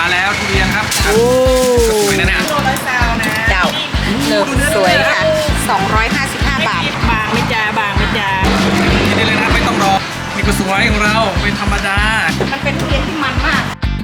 แล้วทุเรียนครับโอ้สวยนะเนี่ยโลละซาวนะเจ้าเลิกสวยค่ะ255 บาทบางไม่จ้าบางไม่จ้ากินได้เลยนะไม่ต้องรอนี่ก็สวยของเราเป็นธรรมดามันเป็นทุเรียนที่มันมาก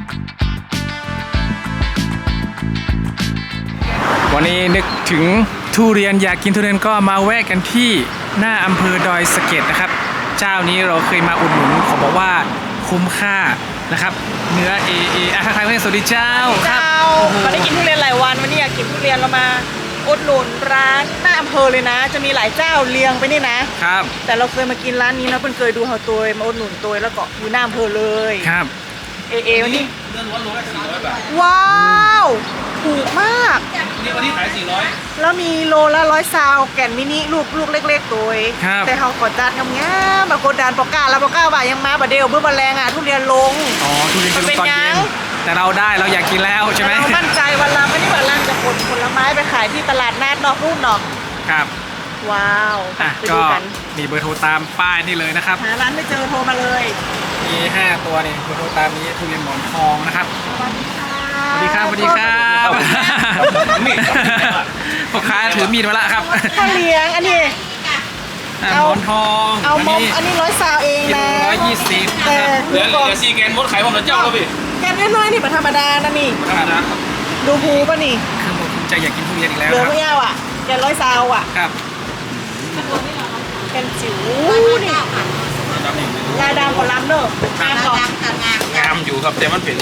วันนี้นึกถึงทุเรียนอยากกินทุเรียนก็มาแวะกันที่หน้าอำเภอดอยสะเก็ดนะครับเจ้านี้เราเคยมาอุดหนุนขอบอกว่าคุ้มค่านะครับเนื้อทักทายเพื่อนสวัสดีเจ้าครับมาได้กินทุเรียนหลายวันวันนี้อยากกินทุเรียนเรามาอุดหนุนร้านหน้าอำเภอเลยนะจะมีหลายเจ้าเรียงไปนี่นะครับแต่เราเคยมากินร้านนี้แล้วเพิ่งเคยดูเขาตัวมาอุดหนุนตัวแล้วก็อยู่หน้าอำเภอเลยครับวันนี้เนื้อล้วนโลละ400 บาทว้าวถูกมากนี่วันนี้ขาย400 แล้วมีโลละ100 ซาวแก่นมินิลูกเล็กๆตัวแต่เขากดดันงามๆมากดดันปอกก้าแล้วปอกก้าบ่ายังมาบะเดียวเบื่อมาแรงทุเรียนลงอ๋อทุเรียนจะลงตอนเย็นแต่เราได้เราอยากกินแล้วใช่ไหมเรามั่นใจวันละไม่ได้วันละจะขนผลไม้ไปขายที่ตลาดนัดนอกรูปนอกครับว้าวก็มีเบอร์โทรตามป้ายนี่เลยนะครับหาร้านไม่เจอโทรมาเลยมี5 ตัวนี่เบอร์โทรตามนี้ทุเรียนหมอนทองนะครับสวัสดีครับสวัสดีครับพ่อค้าถือมีดมาแล้วครับข้าวเลี้ยงอันนี้หมอนทองเอามอันนี้100 ซาวเองนะ 120 แต่เหลือซีแกนมดขายผมเหลือเจ้าแล้วพี่แกนน้อยๆนี่เป็นธรรมดานะนี่ดูภูป่ะนี่คือผมใจอยากกินทุเรียนอีกแล้วเหลือไม่ยาวอ่ะแกน100 ซาวอ่ะครับแกนจิ๋วนี่ลายดำกับลำเนอะงามอยู่ครับแต่มันเป็น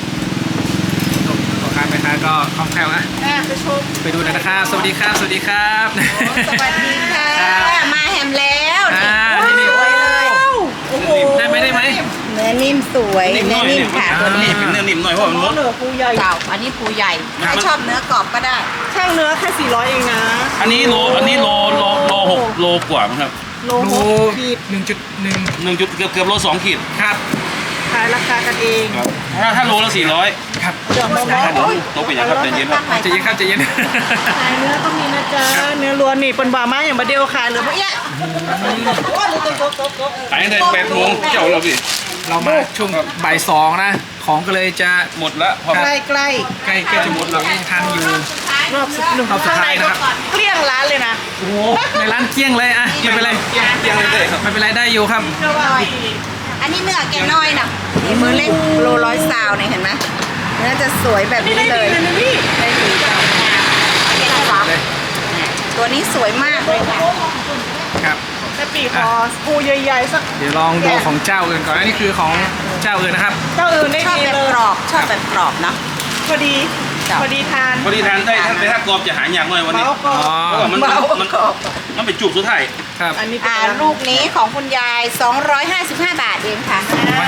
พ่อค้าแม่ค้าก็คล่องแคล่วนะไปดูหน่อยนะครับสวัสดีครับสวัสดีครับสวัสดีค่ะมาแฮมแล้วนี่สวยเลยโอ้โหได้ไหมเนื้อนิ่มสวยเนื้อนิ่มค่ะตัวนี้เป็นเนื้อนิ่มหน่อยเพราะมันมดเนื้อปูใหญ่เจ้าอันนี้ปูใหญ่ถ้าชอบเนื้อกรอบก็ได้ช่างเนื้อแค่400เองนะอันนี้โล6 โลกว่าครับโลขีด 1.1เกือบโล2 ขีดครับขายราคากันเองถ้าโลละ400ครับเดี๋ยวมาโต๊ะไปอย่างครับใจเย็นครับใจเย็นครับใจเย็นขายเนื้อต้องมีนะจ๊ะเนื้อล้วนนี่เป็นบาม่าอย่างบะเดียวขายเหลือพวกเนี้ยขายได้8 โมงเจ้าเราพี่เรามาช่วงบ่าย2นะของก็เลยจะหมดแล้วใกล้จะหมดเรายังทันอยู่รอบสุดท้ายนะครับเกลี้ยงร้านเลยนะโอ้โหในร้านเกลี้ยงเลยอ่ะไม่เป็นไรเกลี้ยงเลยครับไม่เป็นไรได้อยู่ครับอันนี้เนื้อแกน้อยนะนี่มือเล็กโล100 ซาวเนี่ยเห็นไหมเนื้อจะสวยแบบนี้เลยได้ดีจ้ะตัวนี้สวยมากเลยค่ะครับแต่ปีคอปูใหญ่ๆสักเดี๋ยวลองดูของเจ้าอื่นก่อนอันนี้คือของเจ้าอื่นนะครับเจ้าอื่นได้ชอบแบบกรอบชอบแบบกรอบเนาะพอดีทานได้ถ้ากรอบจะหายากหน่อยวันนี้เพราะว่ามันเป็นจุกสุดท้ายครับอันนี้ลูกนี้ของคุณยาย255 บาทเองค่ะ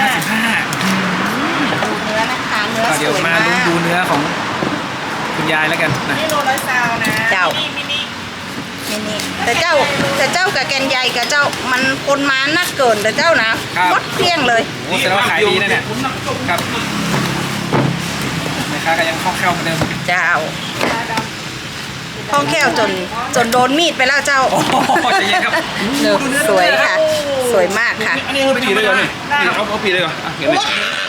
255 ดูเนื้อนะคะเนื้อสวยมากดูเนื้อของคุณยายแล้วกันนี่โล100 ซาวนะเจ้ามินิแต่เจ้ากับแกนใหญ่กับเจ้ามันคนมานักเกินแต่เจ้านะวัดเพี้ยงเลยโอ้แสดงว่าขายดีนะเนี่ยครับแม่ค้าก็ยังคล่องแคล่วเหมือนเดิมเจ้าคล่องแคล่วจนโดนมีดไปแล้วเจ้าโอ้ใจเย็นครับสวยค่ะสวยมากค่ะอันนี้เขาผีได้ก่อนนี่เขาผีได้ก่อนเห็นไหม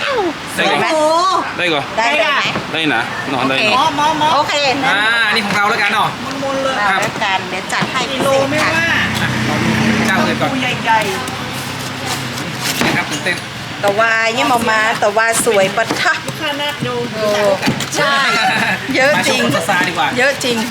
ได้ก่อนได้ไหมได้นะนอนได้โอเคอันนี้ของเราแล้วกันเนาะมุนเลยครับแล้วกันเดี๋ยวจัดให้กิโลไม่ว่าเจ้าเลยก่อนใหญ่นะครับตื่นเต้นแต่ว่ายังมาแต่ว่าสวยปัดทักลูกค้านักดูใช่เยอะจริงเยอะจริง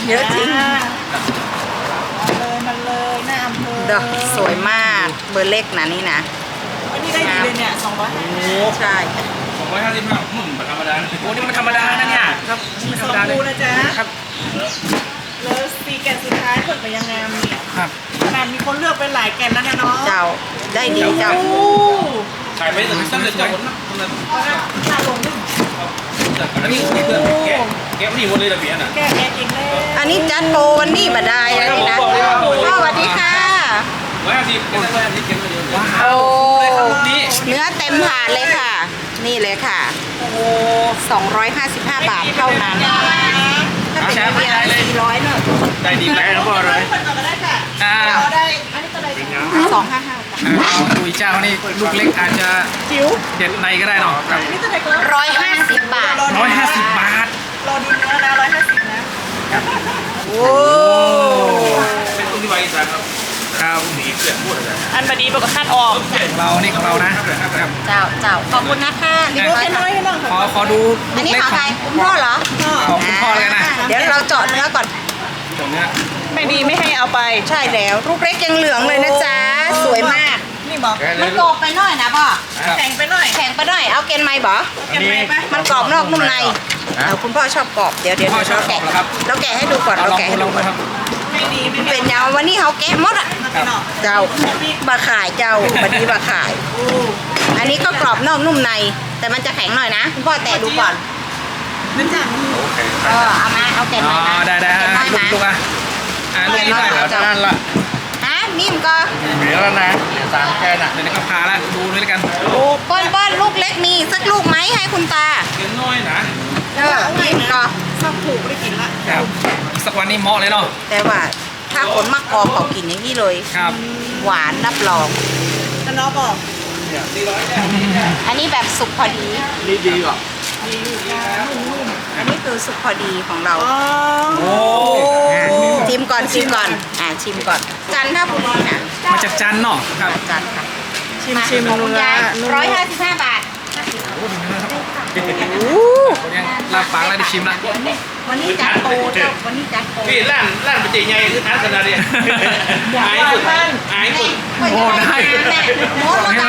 มันเลยหน้าอำเภอสวยมากเบอร์เล็กนะนี่นะอันนี้ได้ดีเลยเนี่ย250 ใช่ 255มันธรรมดาโอ้นี่มันธรรมดานะเนี่ยครับไม่ธรรมดาเลยนะจ๊ะครับแล้วซีแกนสุดท้ายเปิดไปยังไงเนี่ยครับขนาดมีคนเลือกไปหลายแกนแล้วนะเนาะเจ้าได้ดีเจ้าขายไปตั้งแต่เจ้าขาลงนึงอันนี้แกะนี่หมดเลยระเบียงน่ะแกะเองเลยอันนี้จัดโปรวันนี้มาได้แล้วนี่นะสวัสดีค่ะโอ้เนื้อเต็มถาดเลยค่ะนี่เลยค่ะ255 บาทเท่านั้นถ้าเป็นเบียร์400เนอะได้ดีไหมแล้วก็อะไรได้อันนี้ตัวใด 255 ดูเจ้านี่ลูกเล็กอาจจะจิ๋วเด็ดในก็ได้เนาะ 150 บาทเป็นตุ้งที่ไว้อีสานครับครับสีเกลือพูดอะไรอันบดีปกติคัดออกเรานี่ของเรานะ ครับเจ้าขอบคุณนะคะดูแค่น้อยให้น้องขอดูอันนี้เล็กขอขใคอรง คุณพ่อเหรอของคุณพ่อเลยนะเดี๋ยวเราเจาะเนื้อก่อนตรงเนี้ยไม่ดีไม่ให้เอาไปใช่แล้วลูกเล็กยังเหลืองเลยนะจ๊ะสวยมากนี่บอกมันกรอบไปหน่อยนะพ่อครับแข็งไปหน่อยแข็งไปหน่อยเอาเกนไม้บ่เก็บไว้ปะมันกรอบนอกนุ่มในคุณพ่อชอบกรอบเดี๋ยวพ่อชอบกรอบเหรอครับเราแกะให้ดูก่อนเอาเราลองแกะดูให้ลดูองก่ดูอนครับไม่ดีไม่เป็นยาววันนี้เขาแกะหมดอ่ะเป็นหรอกเจ้าบาขายเจ้าบันนี้บาขาย อันนี้ก็กรอบนอกนุ่มใน แต่มันจะแข็งหน่อยนะคุณพ่อแตะดูก่อนนั่นจ้ะเอามาเอาแกะอ๋หอน่อยนะได้แกะหน่อยลูกนะลูกอ่ะลูกนี้ได้แล้วนั่นละฮะนิ่มก็เหลือแล้วนะสามแค่น่ะเดี๋ยวนี้ก็พาละดูด้วยกันโอ้ป้อนลูกเล็กมีสักลูกไหมให้คุณตาเกินน้อยนะนิ่มก็ชอบผูกได้กินละครับอีกสักวันนี้เหมาะเลยเนาะแต่ว่าถ้าคนมากกอเขากินอย่างนี้เลยครับหวานรับรองแต่น้องบอกอันนี้แบบสุกพอดีนี่ดีกว่าอันนี้คือสุกพอดีของเราอ๋อโอ้ชิมก่อนชิมก่อนชิมก่อน จันทบุรีนะมาจากจันทร์เนาะครับจันทร์ค่ะชิมของนูคุณละยาย155 บาทยังลาบปากแล้วได้ชิมละวันนี้จัดโปรเจ้าวันนี้จัดโปรพี่ร้านเป็นตีใหญ่คือท้าขนาดนี้หายสุดหายสุดโอ้ได้โม้แล้วนะ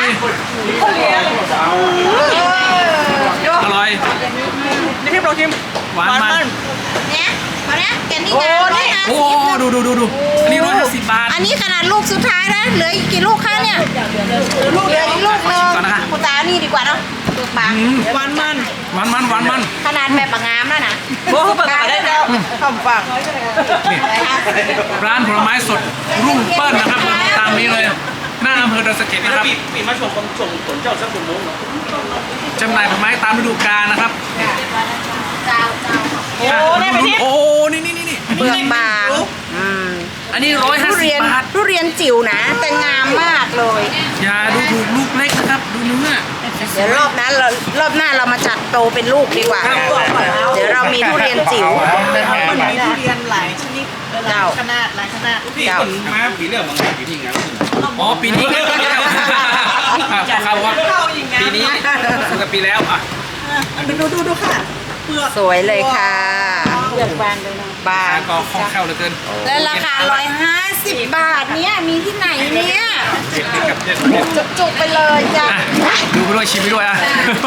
อร่อยนี่พี่โปรชิมหวานมันเนี่ยมาเนี่ยแกนี่โอ้นะนี่โอ้ดูอันนี้150 บาทอันนี้ขนาดลูกสุดท้ายนะเหลืออีกกี่ลูกคะเนี่ยลูกเหลืออีกลูกนึงก่อนนะคะคุณตานี่ดีกว่าเนาะลูกบางหวานมันหวานมันขนาดแบบบางงามแล้วนะโอ้เปิดมาได้แล้วคำฟังนี่ร้านผลไม้สดรุ่งเปิ้ลนะครับตามนี้เลย หน้าอำเภอดอยสะเก็ดนะครับพี่มาส่งคนส่งสนเจ้าสักคนนู้นจำหน่ายผลไม้ตามฤดูกาลนะครับเจ้าโอ้ได้ไปที่โอ้นี่เปลือกบางมอันนี้ทุเรียน 150 บาททุเรียนจิ๋วนะ แต่งามมากเลยอย่าดูถูกลูกเล็กนะครับ ดูเนื้อเดี๋ยวรอบหน้าเรามาจัดโตเป็นลูกดีกว่า เดี๋ยวเรามีทุเรียนจิ๋วมันมีทุเรียนหลายชนิดหลายขนาดหลายขนาดพี่คนมาปีเรื่องบางปีที่งานอ๋อปีนี้ครับครับว่าปีนี้สุดกับปีแล้วอ่ะดูค่ะเปลือกสวยเลยค่ะเปลือกบางเลยนะบางก็คล่องแคล่วเหลือเกินและราคา150 บาทเนี่ยมีที่ไหนเนี่ยเด็ดจุกๆไปเลยจ้ะอ่ะดูไปด้วยชิมไปด้วยอ่ะ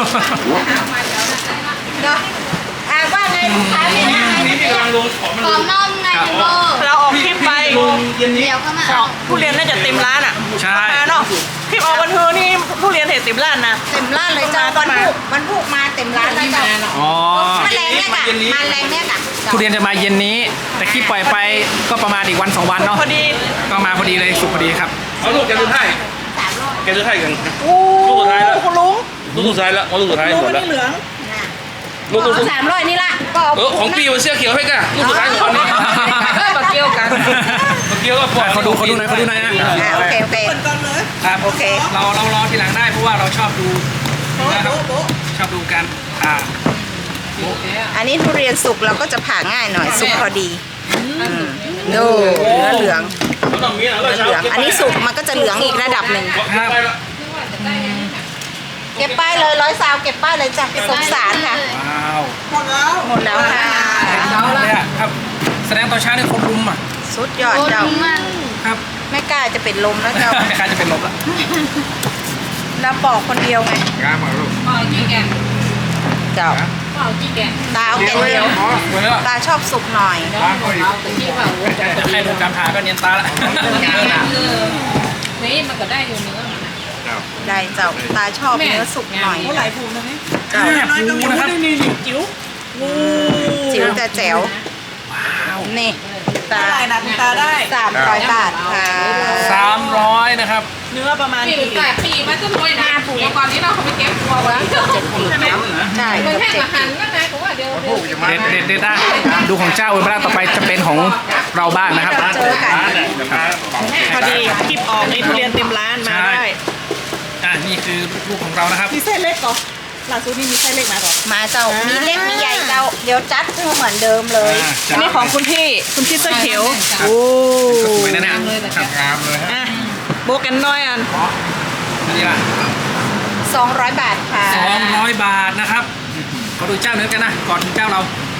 เนาะว่าไงลูกค้าเนี่ยนะนี่พี่กำลังลงของมันกรอบนอกไงเบอร์เราออกคลิปไปลงเย็นนี้เดี๋ยวเข้ามาของทุเรียนน่าจะเต็มร้านอ่ะใช่มาเนาะคลิปออกวันเธอนี่ทุเรียนเห็ดเต็มร้านนะเต็มร้านเลยจ้าวันพุธมาเต็มร้านเลยจ้าอ๋อมาแรงเนี่ยค่ะมาแรงเนี่ยค่ะทุเรียนจะมาเย็นนี้ แต่คลิปปล่อยไปก็ประมาณอีกวัน 2 วันเนาะพอดีก็มาพอดีเลยสุกพอดีครับเอาลูกแกซื้อให้แกซื้อให้กันโอ้คุณลุงลูกสุดท้ายแล้วลูกสุดท้ายลุงหมดไม่แล้วได้เหลืองลูกสุดท้าย 300นี่ละก็ของพี่มันเสื้อเขียวให้กันลูกสุดท้ายของนี้ก็เกี่ยวกันเมื่อกี้ก็ปล่อยเขาดูหน่อยนะโอเคเปิดก่อนเลยครับโอเคเรารอทีหลังได้เพราะว่าเราชอบดูนะครับโบ๊ะชอบดูกันอันนี้ทุเรียนสุกเราก็จะผ่าง่ายหน่อยสุกพอดีดูเนื้อเหลืองต้องมีนะเนื้อเหลือง อันนี้สุกมันก็จะเหลืองอีกระดับหนึ่งครับเก็บป้ายเลย100 เก็บป้ายเลยจ้ะสงสารค่ะว้าวหมดแล้วหมดแล้วค่ะเลยอ่ะครับ แสดงตอนเช้าเนี่ยคนรุมอ่ะสุดยอดเจ้าครับไม่กล้าจะเป็นลมแล้วเจ้าไม่กล้าจะเป็นลมละเราปอกคนเดียวไงงามมากลูกเจ้าตาเอาแก่เดียวสวยแล้วตาชอบสุกหน่อยใครดูการผ่าก็เนียนตาละนี่มันก็ได้อยู่เนื้อมันนะได้เจ้าตาชอบเนื้อสุกหน่อยโอ้หลายภูมินะนี่แอบดูนะครับนี่จิ๋วงูจิ๋วแต่แจ๋วว้าวนี่ตาได้นะตาได้ 300 บาทค่ะ 300นะครับเนื้อประมาณปีกี่แต่ปีมันจะรวยนะเดี๋ยวก่อนนี้เราเขาไปเก็บตัวไว้ใช่มันแค่อาหารนั่นไงผมว่าเดี๋ยวเด็ดนะดูของเจ้าเวลาต่อไปจะเป็นของเราบ้างนะครับเจอกันพอดีคลิปออกนี่ทุเรียนเต็มร้านมาได้นี่คือลูกของเรานะครับมีไส้เล็กก่อนล่าสุดนี่มีไส้เล็กมาก่อนมาเจ้ามีเล็กมีใหญ่เจ้าเดี๋ยวจัดให้เหมือนเดิมเลยอันนี้ของคุณพี่เสื้อเขียวโอ้ก็สวยนะเนี่ยเลยแต่ครับงามเลยฮะอ่ะโบกันน้อยอันอันนี้ล่ะ 200 บาทค่ะ 200 บาทนะครับขอดูเจ้าเนื้อกันนะก่อนถึงเจ้าเรา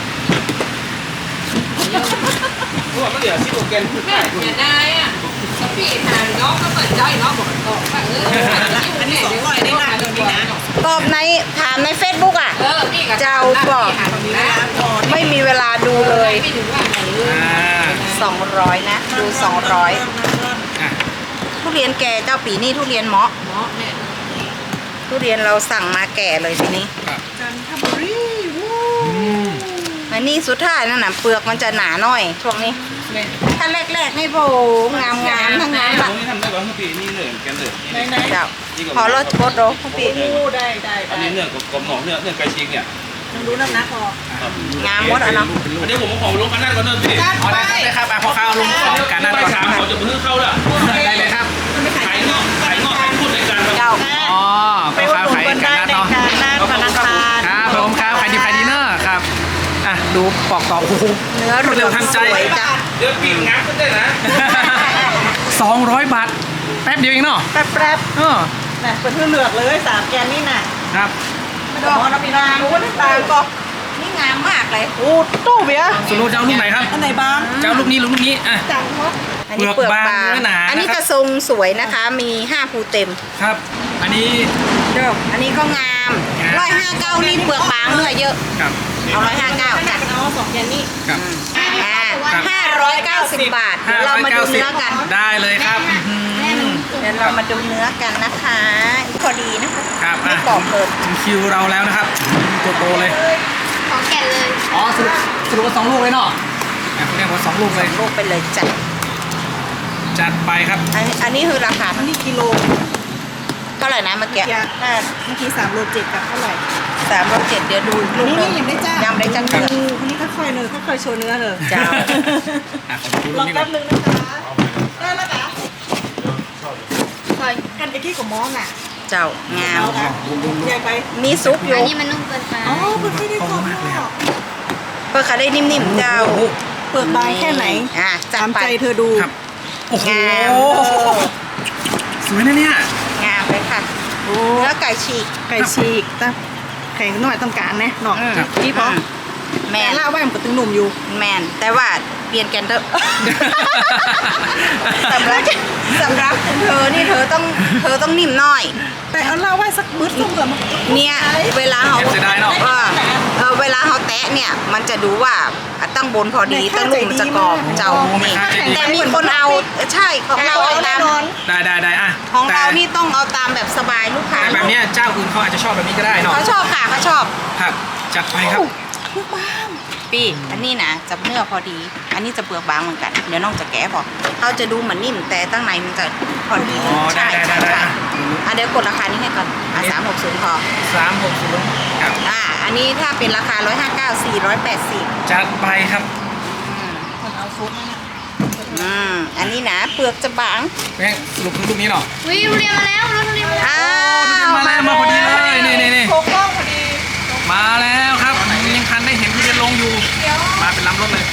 พวกมันเดี๋ยวที่โอเกนแม่อย่าได้อ่ะสปีดหาน้องก็เปิดใจน้องบอกต่อไปอันนี้200ได้นะตัวนี้นะตอบในถามใน Facebook อ่ะนี่ก็เจ้าบอก ไม่มีเวลาดูเลยไม่ถึงว่าไหนเลยอ่า 200 นะ ดู 200 อ่ะทุเรียนแก่เจ้าปีนี่ทุเรียนเหมาะเนาะแม่ทุเรียนเราสั่งมาแก่เลยทีนี้ครับจันทบุรีวู้อันนี้สุดท้ายนั่นน่ะเปลือกมันจะหนาหน่อยช่วงนี้แม่ถ้าแรกๆนี่โบงามๆทั้งนั้นผล่ะมนี่ทำได้ก่อนคือปีนี่เหนื่อยแกนเหนื่อยไหนเจ้าพอรถโคตรโรคุณปีๆโอ้ได้อันนี้เนื้อกลมหนองเนื้อไก่ชิงเนี่ยต้องดูน้ำหนักพองามหมดอ่ะเนาะอันนี้ผมมาของลงกันนั่นก่อนเนอะพี่อ๋อได้ครับพอเข้าลงของการนั่นไปก่อนสามเขาจะเพิ่งเข้าละได้เลยครับขายงอกขายพูดในการเจ้าอ๋อไปพ่ออุดค้าหนุนขายกันได้การนั่นในเนาะการธนาคารครับผมครับขายดีขายดีเนอะครับอ่ะดูปอกต่อโอ้โหเนื้อรวดเร็วทันใจสวยจ้ะเดี๋ยวปีงับก็ได้นะ 200 บาทแป๊บเดียวเองเนาะแป๊บเออๆน่ะเป็นเพื่อเลือกเลย3แกนนี่น่ะครับดอกน้ำปีนางรู้ว่าต่างก็นี่งามมากเลยโอ้ตู้เบียร์สรุปจะเอาลูกไหนครับอันไหนบ้างจะเอาลูกนี้ลูกนี้อ่ะจังเนาะอันนี้เปลือกบางเปลือกบางเนื้อหนาอันนี้นะครับกระทรงสวยนะคะ มี5ภูเต็มครับ อันนี้เด้ออันนี้ก็งามงาม 159นี่เปลือกบางเนื้อเยอะครับเอา159จ้ะเอา2แกนนี่ครับ 590 บาทเดี๋ยวเรามาดูเนื้อกันได้เลยครับอื้อหือเดี๋ยวเรามาดูเนื้อกันนะคะพอดีนะคะครับไม่อ่ะกรอบเกินถึงคิวเราแล้วนะครับตัวโตเลยของแก่เลยอ๋อสรุปว่า2 ลูกเลยเนาะอ่ะคุณเรียกว่า2 ลูกเลยลูกไปเลยจ้ะจัดไปครับอันนี้คือราคาอันนี้กิโลเท่าไหร่นะเมื่อกี้ยาเมื่อกี้3โล7กับเท่าไหร่ 307เดี๋ยวดูอีกลูกหนึงนี่ยังได้จ้ายังได้จ้าคนนี้ค่อยๆเนอะค่อยๆโชว์เนื้อเนอะเจ้าอ่ะขอดูลลูอก งนี้ก่แป๊อนบนึงนะคะได้แล้วจ้ะใช่กันไอ้ที่กับมองอ่ะเจ้างามเอาค่ะใหญ่ไปมีซุปอยู่อันนี้มันนุ่มเกินไปอ๋อมันไม่ได้กรอบมากเลยครับเปลือกขาได้นิ่มๆเจ้าโอ้โหเปลือกบางแค่ไหนอ่ะจัดตามไปใจเธอดูครับ โอ้โหงามสวยนะเนี่ยงามเลยค่ะเนื้อไก่ฉีกไก่ฉีกแต่แข็งหน่อยต้องการนะเนาะอืมพี่พอแมแต่นเล่าว่ามันก็ตึงหนุ่มอยู่แมนแต่ว่าเปลี่ยนกันเถอะ สำหรับเธอนี่เธอต้องนิ่มหน่อยแต่เอาเล่าว่าสักบึ้ดต้องเกิดมันเนี่ยเวลาเขาเสียดายเนอะเวลาเขาแตะเนี่ยมันจะดูว่าตั้งบนพอดีตั้งลูกมันจะกรอบเจ้าโอ้นี่แม่ค้าใจดีแต่มีคนเอาใช่ของเราเอาตามได้อ่ะของแต่เรานี่ต้องเอาตามแบบสบายลูกค้าแต่แบบเนี้ยเจ้าอื่นเขาอาจจะชอบแบบนี้ก็ได้เนาะเขาชอบค่ะเขาชอบครับ จัดไปครับปีอันนี้นะจะเนื้อพอดี อันนี้จะเปลือกบางเหมือนกันเดี๋ยวน้องจะแกะพอเขาจะดูเหมือนนิ่มแต่ตั้งในมันจะพอดีอ๋อได้ใช่อ่ะเดี๋ยวกดราคานี้ให้ก่อน360พอ 360ครับอันนี้ถ้าเป็นราคา159 480 จัดไปครับอันนี้นะเปลือกจะบางแม่งสรุปคือลูกนี้เนาะวิวเรียนมาแล้วรถทุเรียนมาแล้วมาแล้วมาพอดีเลยนี่โค้งกล้องพอดีมาแล้วครับยังทันได้เห็นทุเรียนลงอยู่ มาเป็นลำรถเลย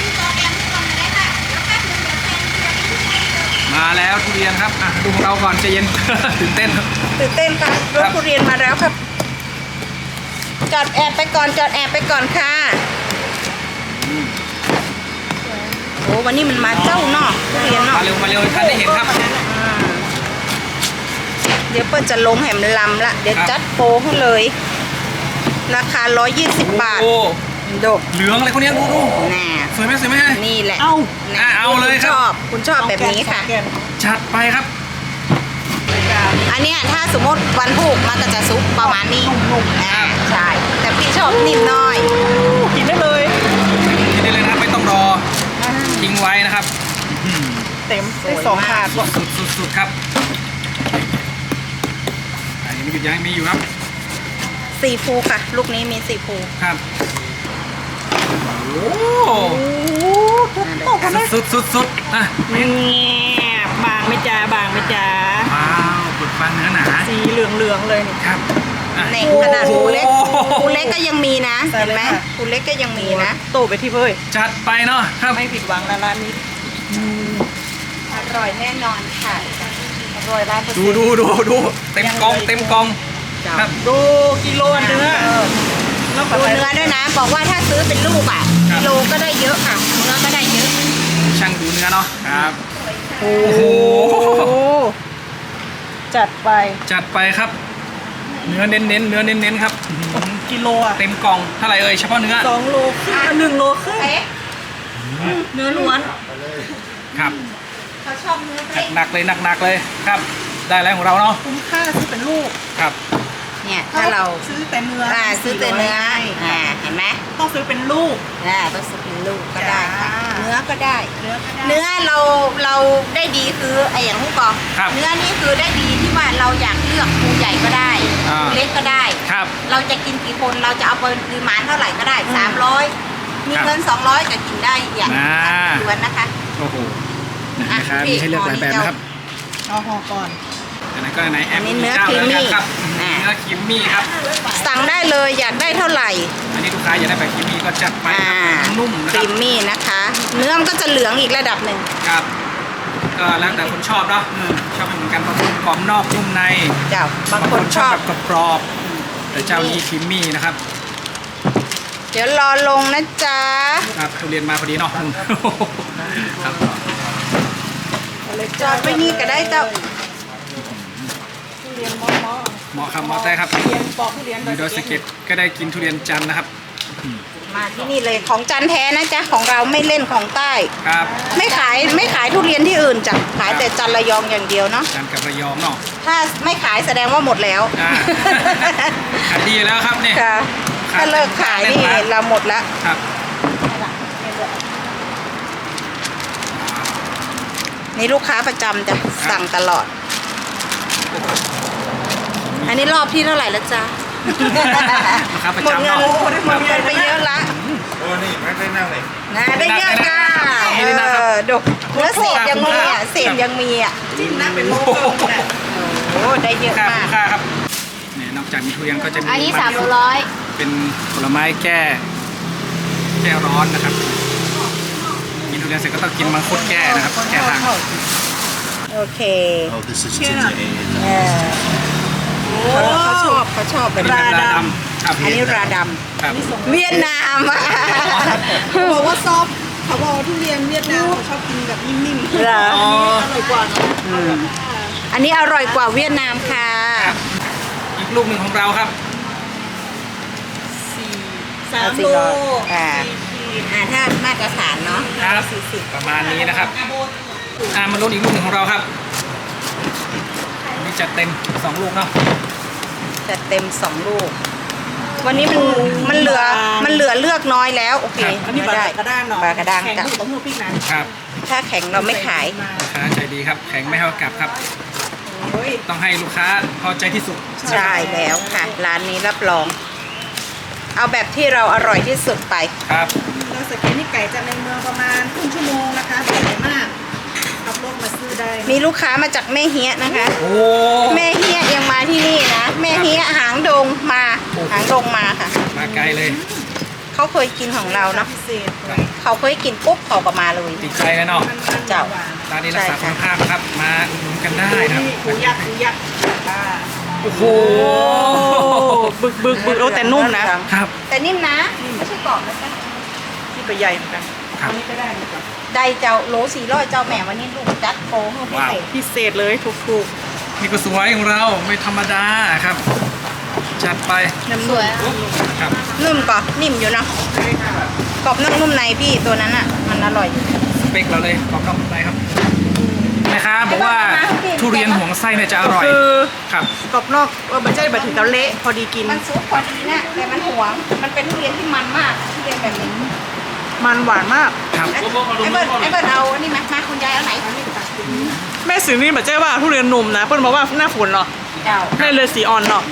มาแล้วทุเรียนครับอ่ะดูของเราก่อนใจเย็น ตื่นเต้นครับตื่นเต้นค่ะรถทุเรียนมาแล้วครับ จอดแอบไปก่อนค่ะโอ้วันนี้มันมาเจ้าเนาะทุเรียนเนาะมาเร็วทันได้เห็นครับเดี๋ยวเปิ้ลจะลงแหมลำละเดี๋ยวครับจัดโปรให้เลย ราคา120 บาทโอ้ดกเหลืองอะไรคนนี้ดูน่ะสวยไหมนี่แหละเอาน่ะเอาเลยครับคุณชอบแบบนี้ค่ะสองแกนจัดไปครับอันเนี้ยถ้าสมมติวันพุกมันก็จะซุปประมาณนี้ใช่ แต่พี่ชอบนิ่มหน้อยกินได้เลยกินได้เลยนะครับไม่ต้องรอทิ้งไว้นะครับเต็มได้2ถาดบอกสุดครับอันนี้ไม่หยุดยั้งมีอยู่ครับซีฟูค่ะ ลูกนี้มีซีฟูครับโอ้โอ้กันได้สุดอ่ะแง่บางไม่จ้าว้าวปึกฟันเนื้อหนาสีเหลืองๆเลยนี่ครับอ่ะในขนาดภูเล็กภูเล็กก็ยังมีนะเห็นไหมภูเล็กก็ยังมีนะโตไปที่เพื่อจัดไปเนาะครับไม่ผิดหวังนะร้านนี้อร่อยแน่นอนค่ะอร่อยร้านเปอร์เซ็นดูต์ดูเต็มกองเต็มกองครับดูกิโลเนื้อแล้วดูเนื้อด้วยนะ บอกว่าถ้าซื้อเป็นลูกอ่ะครับกิโลก็ได้เยอะค่ะเนื้อก็ได้เยอะช่างดูเนื้อเนาะครับโอ้โหจัดไปจัดไปครับ เนื้อเน้นครับกิโลอ่ะเต็มกล่องเท่าไหร่เอ่ยเฉพาะเนื้อ 2 โลครึ่ง1 โลครึ่งเนื้อล้วนครับเขาชอบเนื้อเล็กหนักเลยครับ ได้แล้วของเราเนาะคุ้มค่าซื้อเป็นลูกครับเนี่ยถ้าเราซื้อแต่เนื้อซื้อแต่เนื้อเห็นไหมต้องซื้อเป็นลูกต้องซื้อเป็นลูกก็ได้ค่ะจ้าเนื้อก็ได้เนื้อก็ได้เนื้อเราได้ดีคือไอ้อย่างผู้กองครับเนื้อนี่คือได้ดีที่ว่าเราอยากเลือกภูใหญ่ก็ได้อ่าภูเล็กก็ได้ครับเราจะกินกี่คนเราจะเอาปริมาณเท่าไหร่ก็ได้ 300 มีครับเงิน200ก็กินได้อย่างอ่าล้วนนะคะโอ้โหอ่ะนะครับพี่มีให้เลือกหลายแบบนะครับเอาห่อก่อนอันนั้นก็ไหนแออัมนนี้มีเนื้อเจ้าแล้วกันครับครีมมี่เนื้อครีมมี่ครับสั่งได้เลยอยากได้เท่าไหร่อันนี้ลูกค้าอยากได้แบบครีมมี่ก็จัดไปครับนุ่มนะคครีรับมมี่นะคะ เนื้อมันก็จะเหลืองอีกระดับหนึ่งครับ ก็แล้วแต่คนชอบเนาะชอบไม่เหมือนกันบางคนกรอบนอกนุ่มในเจ้าบางคนชอบแบบกรอบๆแต่เจ้านี้ครีมมี่นะครับเดี๋ยวรอลงนะจ๊ะครับทุเรียนมาพอดีเนาะครับจอดไว้นี่ก็ได้เจ้าทุเรียนมอเหมาะครับเหมาะได้ครับทุเรียนปอกทุเรียนมีโดยสเก็ตก็ได้กินทุเรียนจันทร์นะครับมาที่นี่เลยของจันแท้นะจ๊ะของเราไม่เล่นของใต้ครับไม่ขายทุเรียนที่อื่นจ้ะขายแต่จันระยองอย่างเดียวเนาะจันทร์กับระยองเนาะถ้าไม่ขายแสดงว่าหมดแล้วอ่า ขายดีแล้วครับเนี่ยค่ะถ้าเลิกขายนี่เราหมดแล้วครับนี่ลูกค้าประจำจะสั่งตลอด อันนี้รอบที่เท่าไหร่แล้วจ๊ะลูกค้าประหมดจำเงินเนาะหมดเงินไปเยอะละโอ้นี่ไม่ได้นั่งเลยนะได้เยอะจ้านี่นะครับดูเนื้อเศษยังมีอ่ะเศษยังมีอ่ะจิ้มนะเป็นโลนะโอ้ได้เยอะค่ามากค่าครับเนี่ยนอกจากมีทุเรียนก็จะมีอันนี้มั 3 โลร้อยเป็นผลไม้แก้ร้อนนะครับ กินทุเรียนเสร็จก็ต้องกินมังคุดแก้นะครับ แก้ทางโอเค Oh this is ginger ale เออเขาชอบอันแบบนี้นี้เป็นราดำครับอันนี้ราดครับำเวียดนามอ่ะเขาบอกว่าซอฟเขาบอกว่าทุเรียนเวียดนามเขาชอบกินแบบนิ่มๆเหรออ๋ออร่อยกว่าเนาะอันนี้อร่อยกว่าเวียดนามค่ะครับอีกลูกหนึ่งของเราครับ 3 โลถ้ามาตรฐานเนาะครับประมาณนี้นะครับมาลุ้นอีกลูกหนึ่งของเราครับอันนี่จัดเต็ม2ลูกเนาะจะเต็ม2 ลูก วันนี้มันเหลือเลือกน้อยแล้ว โอเคอันนี้ปลากระด้างเนาะปลากระด้างแข็งจ้ะต้องมือพี่นะครับถ้าแข็งเราไม่ขายลูกค้าใจดีครับ แข็งไม่เท่ากลับครับโอ้ยต้องให้ลูกค้าพอใจที่สุดใช่แล้วค่ะ ร้านนี้รับรอง เอาแบบที่เราอร่อยที่สุดไปครับเราสเก็ตนี่ไก่จากในเมืองประมาณครึ่งชั่วโมงนะคะสวยมากขับรถมาซื้อได้มีลูกค้ามาจากแม่เฮียนะคะโอ้แม่เฮียยังมาที่นี่นะ แม่เฮียหางดงมาหางดงมาค่ะมาไกลเลยเขาเคยกินของเราเนาะพิเศษเขาเคยกินปุ๊บเขาก็มาเลยติดใจเลยเนาะเจ้าร้านนี้รักษาคุณภาพครับ มาอุดหนุนกันได้นะครับหูยักษ์อ่าโอ้โหบึกโอ้แต่นุ่มนะครับแต่นิ่มนะไม่ใช่กรอบนะจ๊ะที่ก็ใหญ่เหมือนกันครับอันนี้ก็ได้เหมือนกันได้เจ้าโหล400เจ้าแม่วันนี้ลูกจัดโปรให้พิเศษพิเศษเลยถูกนี่ก็สวยของเราไม่ธรรมดาครับ จัดไปสวยครับนุ่มก่อนนิ่มอยู่นะกรอบนอกนุ่มในพี่ตัวนั้นอ่ะ มันอร่อยอยู่สเปคเราเลยกรอบนอกนุ่มในครับแม่ค้าบอกว่าทุเรียนห่วงไส้เนี่ยจะอร่อยคือครับกรอบนอกไม่ใช่แบบถึงกับเละพอดีกินมันซุปพอดีนะแต่มันหวง มันเป็นทุเรียนที่มันมากทุเรียนแบบนี้มันหวานมากครับไอ้เบิร์ดเอาอันนี้มาคุณยายเอาไหนแม่ซื้อนี่แบบเจ๊ว่าทุเรียนหนุ่มนะเพื่อนบอกว่าหน้าฝนเนาะเจ้าแม่เลยสีอ่อนเนาะ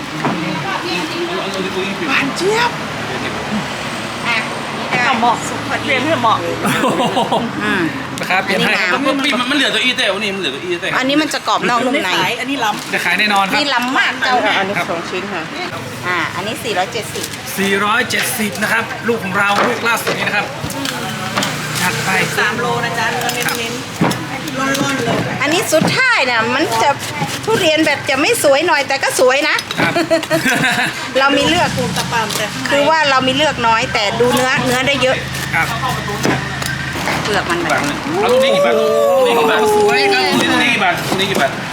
หวานเจี๊ยบอ่ะนี่ได้เหมาะซุปพอดีเรียนให้เหมาะอืมนะครับเปลี่ยนให้ครับมันเหลือตัวอีแต่วันนี้มันเหลือตัวอีแต่อันนี้มันจะกรอบนอกนุ่มในอันนี้ล้จะขายแน่นอนครับนี่ล้ำมากเจ้าำอันนี้2 ชิ้นค่ะออันนี้ 470 470นะครับลูกของเราลูกล่าสุดนี้นะครับจัดไป 3 โลนะจ๊ะเนื้อเน้นๆร่อนๆเลยอันนี้สุดท้ายเนี่ยมันจะทุเรียนแบบจะไม่สวยหน่อยแต่ก็สวยนะครับเรามีเลือกปูนตะปามแต่ข้างในคือว่าเรามีเลือกน้อยแต่ดูเนื้อได้เยอะครับเปลือกมันแบบเอาตรงนี้กี่บาทตรงนี้กี่บาทสวยครับตรงนี้กี่บาทตรงนี้กี่บาท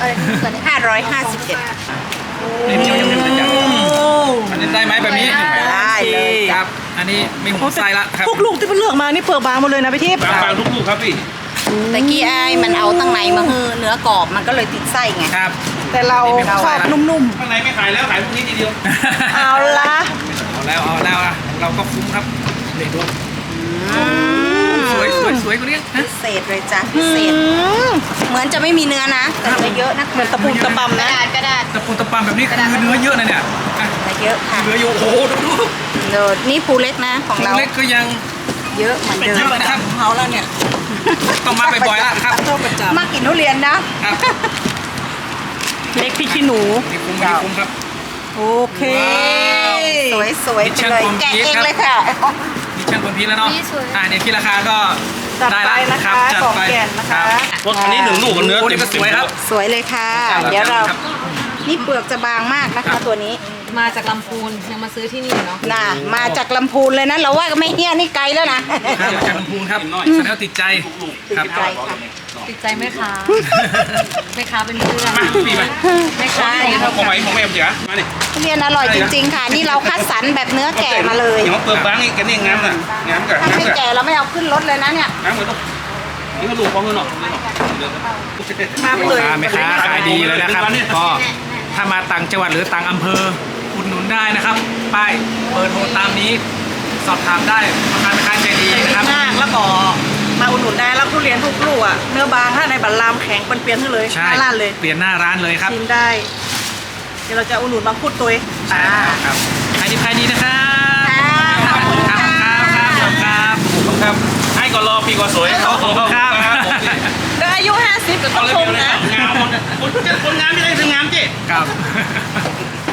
551 นี่มันยังจะจัดอันนี้ได้ไหมแบบนี้ได้เลยครับ อันนี้ไม่ห่วงไส้ละครับพวกลูกที่เพิ่งเลือกมานี่เปลือกบางหมดเลยนะพี่ทิพย์บางๆทุกลูกครับพี่แต่กี้ไอ้มันเอาตั้งในมาคือเนื้อกรอบมันก็เลยติดไส้ไงครับแต่เราชอบนุ่มข้างในไม่ขายแล้วขายพวกนี้ทีเดียวๆ เอาละเอาแล้วอ่ะเราก็คุ้มครับนี่ดูสวยกว่านี้นะพิเศษเลยจ้ะพิเศษ เหมือนจะไม่มีเนื้อนะ แต่เนื้อเยอะนะเหมือนตะปูตะปำนะกระดาษตะปูตะปามแบบนี้คือเนื้อเยอะนะเนี่ยอ่ะเนื้อเยอะค่ะเนื้ออยู่โอ้โหดูเดี๋ยวนี่ภูเล็กนะของเราเล็กก็ยังเยอะเหมือนเดิเยมอะนะครับของเขาแล้วเนี่ยต้องมาบ่อยๆแล้วครับชอบประจมากินทุเรียนนะครับำเล็กพี่ขี้หนูนี่คุ้มครับโอเคสวยๆไปเลยแกะเองเลยค่ะนี่ช่างคนพีชแล้วเนาะนี่สวยเนี่ยที่ราคาก็จัดได้ไปแล้วนะครัคะบจัดของไปแก่นนะคะรับรถคันนี้1 ลูกกับเนื้อโอ้นี่ก็สวยครับสวยเลยค่ะ เดี๋ยวเรานี่เปลือกจะบางมากนะคะตัวนี้มาจากลำพูนยังมาซื้อที่นี่เนาะน่ะมาจากลำพูนเลยนะเราว่าก็ไม่เฮี้ยนี่ไกลแล้วนะครับจากลำพูนครับแสดงว่าติดใจครับติดใจค่ะติดใจแม่ค้าแม่ค้าเป็นเพื่อนมาพี่มาแม่ค้าอย่างเงี้ยของไหมของแม่ผมเจ๋อมานี่ทุเรียนอร่อยจริงๆค่ะ นี่เราคัดสรรแบบเนื้อแก่มาเลยอย่างว่าเปลือกบางนี่กันนี่งามน่ะงามกับถ้างามไม่กับแก่เราไม่เอาขึ้นรถเลยนะเนี่ยงามกับลูกนี่ก็ลูกของเงินหรอกมาเลยแม่ค้าขายดีเลยนะครับก็ถ้ามาต่างจังหวัดหรือต่างอำเภออุดหนุนได้นะครับป้ายเบอร์โทรตามนี้สอบถามได้ราคาแม่ค้าใจดีนะครับมากแล้วก็มาอุดหนุนได้แล้วทุเรียนทุกลูกอ่ะเนื้อบางถ้าในบัตรลามแข็งเป็นเปลี่ยนให้เลยใช่หน้าร้านเลยเปลี่ยนหน้าร้านเลยครับชิมได้ เดี๋ยวเราจะอุดหนุนบางพูดตัวเองใช่ครับขายดีนะครับขอบคุณครับครับครับให้ก่อนรอปีก่อนสวยขอบคุณครับเดี๋ยวอายุ 50ก็ต้เอาองเลยชมนะงามคนงามไม่ได้ถึงงามจิครับ